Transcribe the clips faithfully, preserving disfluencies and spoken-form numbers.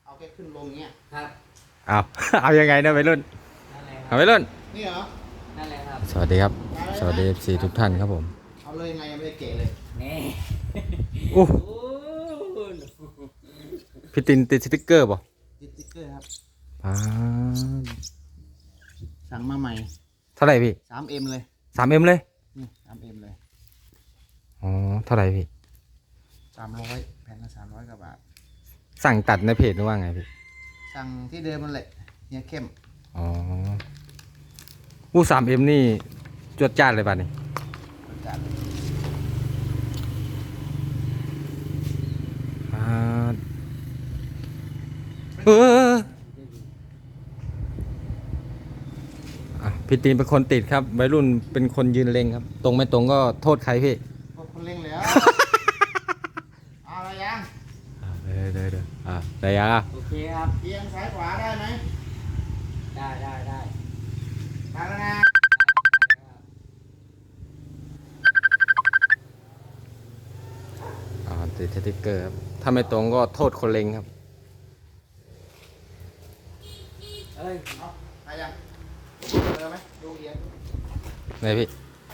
เอาแค่ขึ้นลงเงี้ยครับเอาเอายังไงนะวัยรุ่นนั่นแหละคเอารับวัยรุ่นนี่เหรอนั่นแหละครับสวัสดีครับสวัสดีสี่ทุกท่านครับผมเอาเลยไงยังไม่ได้เก๋เลยนี่อู้โอ้โหพี่ตินติดสติ๊กเกอร์ป่ะติดสติ๊กเกอร์ครับอ่าสั่งมาใหม่เท่าไหร่พี่สามเอ็มเลยสามเอ็มเลยนี่สามเอ็มเลยอ๋อเท่าไหร่พี่สามร้อยแผ่นละสามร้อยกว่าบาทสั่งตัดในเพจหรือว่าไงพี่สั่งที่เดิมมันแหละเนี่ยเข้มอ๋ออู้สามเอ็มนี่จวดจ้าดเลยป่ะนี่จัดอ่าเอออ่ะพี่ตีนเป็นคนติดครับวัยรุ่นเป็นคนยืนเล็งครับ ตรงไม่ตรงก็โทษใครพี่พวกคนเล่งแล้ว เอาอะไรยังอ่าเดี๋ยวเดี๋ยวเดี๋ยวอ่าได้ยังอ่ะโอเคครับเอียงซ้ายขวาได้ไหมได้ได้ได้ได้แล้วนะอ๋อติดสติ๊กเกอร์ครับถ้าไม่ตรงก็โทษคนเล็งครับเอ้ยเอาได้ยังเจอไหมดูเอียงไหนพี่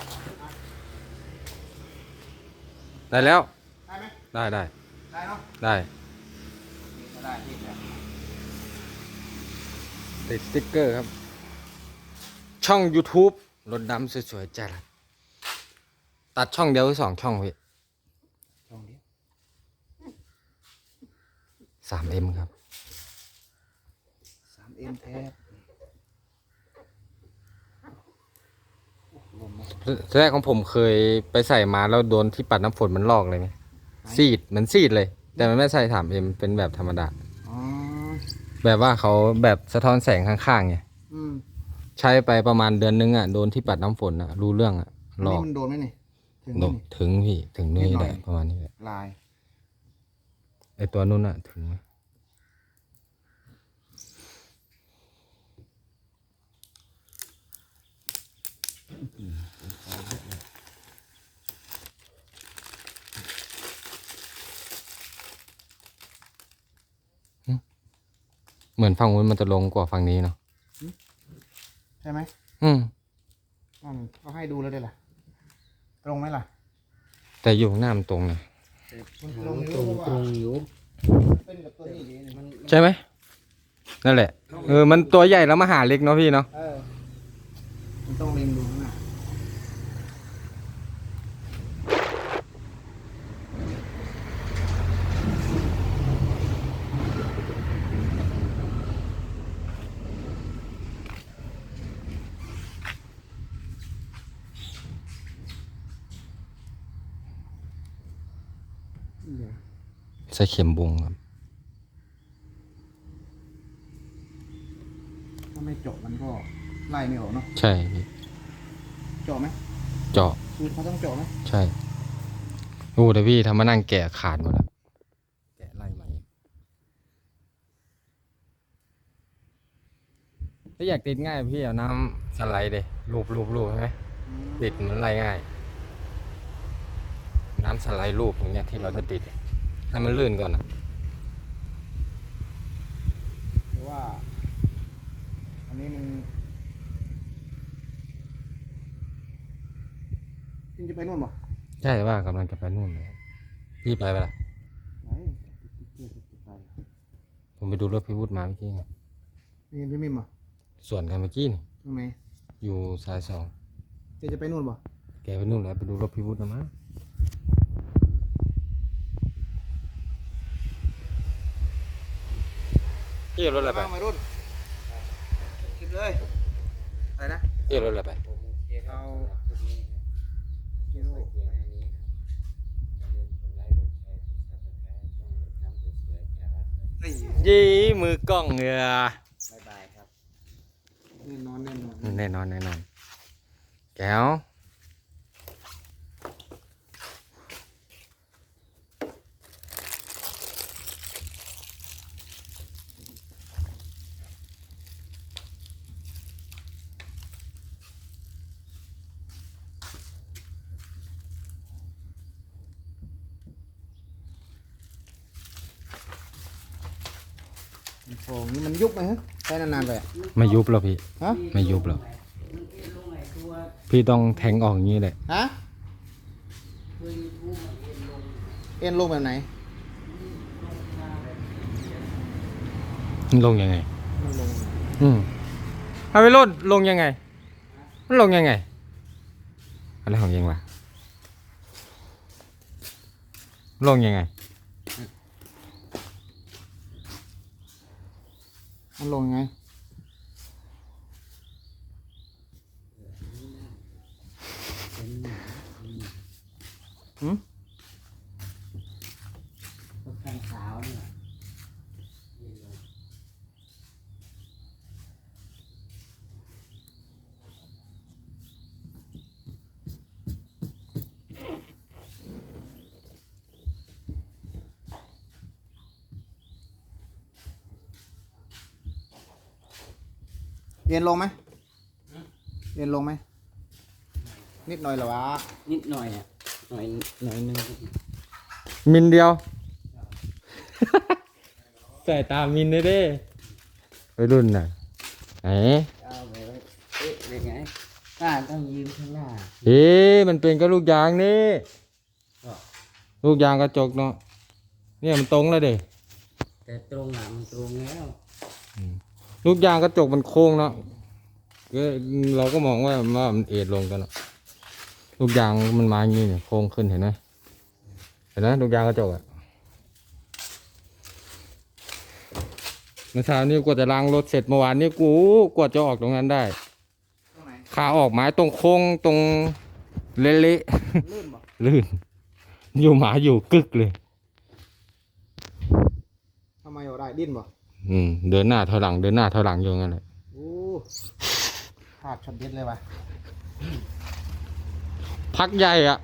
ได้แล้วได้ไหมได้ได้ได้เนาะได้นี่ก็ได้ที่แล้วติดสติ๊กเกอร์ครับ ช่อง YouTube รถดำสวยๆจ้าละตัดช่องเดียวหรือสองช่องพี่ลองดิสามเอ็มครับสามเอ็มแทบโอ้ลมมาแรกของผมเคยไปใส่มาแล้วโดนที่ปัดน้ำฝนมันลอกเลยไงซีดเหมือนซีดเลย แต่มันไม่ใช่สามเอ็มเป็นแบบธรรมดาอ๋อแบบว่าเขาแบบสะท้อนแสงข้างๆไงอืมใช้ไปประมาณเดือนนึงอ่ะโดนที่ปัดน้ำฝนอ่ะรู้เรื่องอ่ะอันลอนี้กมันโดนไหมนี่ถึงไหมโดนนี่ถึงพี่ถึงนู่นนิดหน่ได้อยประมาณนี้แหละลายไอตัวนู้นอ่ะถึงเหมือนฝั่งนู้นมันจะลงกว่าฝั่งนี้เนาะใช่ไหมอืมอืมเขาให้ดูแล้วด้วยล่ะ ตรงไหมล่ะแต่อยู่ข้างหน้ามันตรงนะมันตตรรง งอยู่ตรงตรงอยู่เป็นกับตัวนี้ดีนี่มันใช่ไหมนั่นแหละเออมันตัวใหญ่แล้วมาหาเล็กเนาะพี่เนาะเออมันต้องเล็งดูข้างหน้าเดี๋ยวใส่เข็มบุงครับถ้าไม่เจาะมันก็ไล่ไม่ออกเนาะใช่พี่เจาะไหมเจาะคือเขาต้องเจาะไหมใช่โอ้แต่พี่ทำมานั่งแกะขาดหมดแล้วแกะไล่ใหม่ถ้าอยากติดง่ายพี่เอาน้ำสไลด์เลยรูปรูปรูปใช่ไหมติดมันไล่ง่าย น้ำสไลด์รูปอย่างเงี้ยที่เราจะติดให้มันลื่นก่อนนะหรือว่า อันนี้มันจริงจะไปนู่นป่ะใช่ว่ากำลังจะไปนู่นเลยพี่ไปไปละไหนเกี่ยวกับไปผมไปดูรถพี่วุฒิมาเมื่อกี้ไงนี่พี่มิมอ่ะส่วนกันเมื่อกี้นี่ทำไมอยู่สายสองจะจะไปนู่นป่ะแกไปนู่นแล้วไปดูรถพี่วุฒินะมั้งพี่รถอะไรไปมารุ่นคิดเลยอะไรนะพี่รถอะไรไปเอาเฮ้ยยี่มือกล้องเหงือบายบายครับแน่นอนแน่นอนแน่นอนแน่นอนแก้วโฟงนี่มันยุบไหมฮะใช้นานๆไปอะไม่ยุบหรอกพี่ฮะไม่ยุบหรอกมันเอ็นลงไอ้ตัวพี่ต้องแทงออกอย่างนี้เลยฮะตัวยูทูบมันเอ็นลงเอ็นลงแบบไหนลงมาแบบมันลงยังไงมันลงอืมเอาไปโลดลงยังไง มันลงยังไง อะไรของยังวะ ลงยังไงมันลงยังไง หืมตัวแข้งขาวเนี่ยเอ็นลงเอ็นลงไหมเอ็นลงไหมนิดหน่อยเหรอวะนิดหน่อยอ่ะหน่อยหน่อยหนึงมินเดียว ใส่ตามมินได้เด้ไปรุ่นน่ะไหนเอาไปไว้เอ๊ะเป็นไงป้าต้องยืมข้างหน้าเอ๊ะมันเป็นก็ลูกยางนี่ก็ลูกยางกระจกเนาะเนี่ยมันตรงแล้วเด้แต่ตรงอ่ะมันตรงแล้วลูกยางกระจกมันโค้งเนาะก็เราก็มองว่าว่ามันเอ็นลงกันเนาะลูกยางมันมาอย่างนี้เนี่ยโค้งขึ้นเห็นไหมเห็นไหมลูกยางกระจกอะเมื่อเช้านี้กว่าจะล้างรถเสร็จเมื่อวานนี้กูกว่าจะออกตรงนั้นได้ตรงไหนขาออกไม้ตรงโค้งตรงเละลื่นบ่ๆ ลื่น อยู่หมาอยู่กึกเลยทำไมเอาได้ดิ้นบ่อืมเดินหน้าถอยหลังเดินหน้าถอยหลังอยู่งั้นเลยโอ้พลาดช็อตเด็ดเลยว่ะพักใหญ่อะ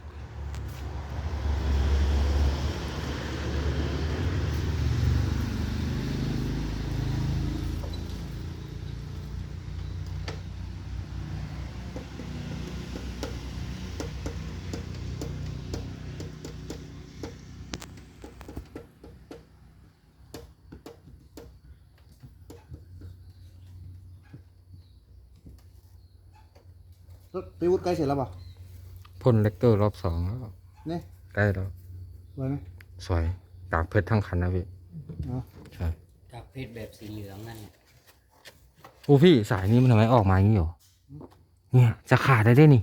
รถพี่วุฒิใกล้เสร็จแล้วป่ะพ่นเล็กเตอร์รอบสองแล้วนี่ใกล้แล้วสวยไหมสวยกากเพชรทั้งคันนะพี่เนาะใช่กับเพชรแบบสีเหลืองนั่นเนี่ยโอ้พี่สายนี้มันทำไมออกมาอย่างนี้หรอเนี่ยจะขาดได้ด้วยนี่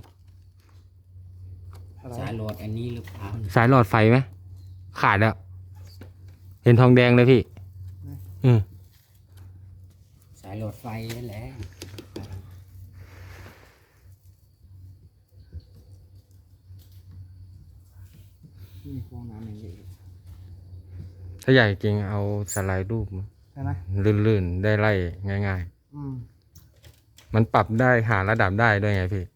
อะไรสายโหลดอันนี้หรือเปล่าสายหลอดไฟไหมขาดแล้ว เห็นทองแดงเลยพี่ อืมสายโหลดไฟนั่นแหละนี่ฟองน้ำอย่างนี้ถ้าใหญ่จริงเอาสไลด์รูปมาใช่ไหมลื่นๆ ได้ไล่ง่ายอืมๆ มันปรับได้หาระดับได้ด้วยไงพี่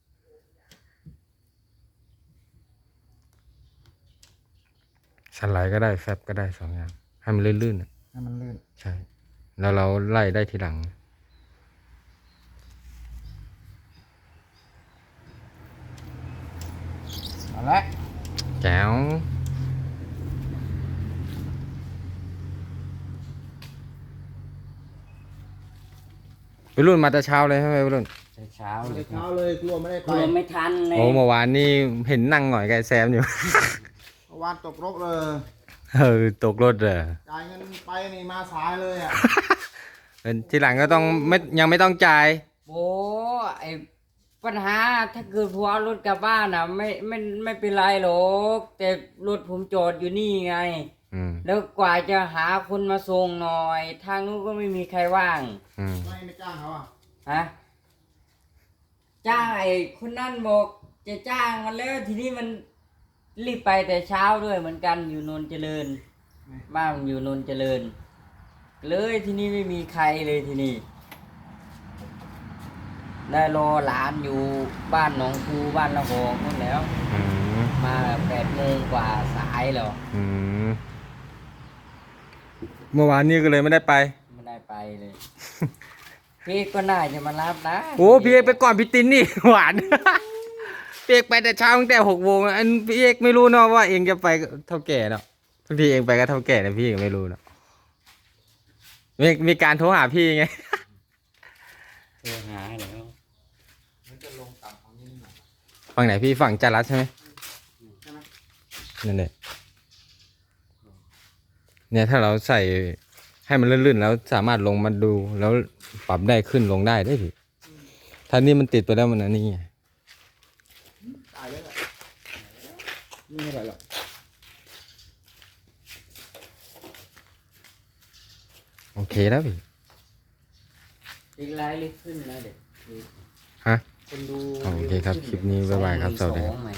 สไลด์ก็ได้แฟบก็ได้สองอย่าง ให้มันลื่นๆอะให้มันลื่นใช่ แล้วเราไล่ได้ทีหลังเอาละแจ๋วไปรุ่นมาแต่เช้าเลยใช่ไหมไปรุ่นเช้าเอาๆเลแต่ยเช้าเลยกลัวไม่ได้กไปลัวไม่ทันเลยโอ้เมื่อวานนี่เห็นนั่งหน่อยกับไอ้แซมอยู่เมื่อวานตกรถเลยเออตกรถเลยจ่ายเงินไปนี่มาสายเลยอ่ะทีหลังก็ต้องไม่ยังไม่ต้องจ่ายโอ้ไอปัญหาถ้าเกิดผัวเอารถกลับบ้านอ่ะ ไม่ไม่ไม่เป็นไรหรอกแต่รถผมจอดอยู่นี่ไงอืมแล้วกว่าจะหาคนมาส่งหน่อย ทางนู้นก็ไม่มีใครว่างอืมไม่ไม่จ้างเขาอ่ะฮะจ้างไอ้คนนั่นบอกจะจ้างมันแล้วทีนี้มันรีบไปแต่เช้าด้วยเหมือนกันอยู่นนเจริญบ้านมันอยู่นนเจริญ เลยที่นี่ไม่มีใครเลยที่นี่ได้รอหลานอยู่บ้านหนองคูบ้านละหองนู่นแล้วอืมมาแปดโมงกว่าสายแล้วอืมเมื่อวานนี้ก็เลยไม่ได้ไปไม่ได้ไปเลย พี่ก็น่าจะมารับนะโอ้พี่เอกไปก่อนพี่ตินนี่ หวาน พี่เอกไปแต่เช้าตั้งแต่หกโมงอันพี่เอกไม่รู้เนาะว่าเองจะไปกับเท่าแก่เนาะทุกทีเองไปก็เท่าแก่นะพี่เอกไม่รู้เนาะมีมีการโทรหาพี่ไงโทรหาแล้วมันจะลงต่ำของนี่หน่อยฝั่งไหนพี่ฝั่งจารัสใช่ไหมใช่ไหมนั่นแหละเนี่ยถ้าเราใส่ให้มันลื่นๆแล้วสามารถลงมาดูแล้วปรับได้ขึ้นลงได้ได้พี่ถ้านี่มันติดไปแล้วมันอันนี้ไงตายแล้วแหละนี่ไม่ไหวหรอกโอเคแล้วพี่อีกไลน์เลยขึ้นแล้วเด็กฮะคนดูโอเคครับคลิปนี้บ๊ายบายครับสวัสดีครับสองไหม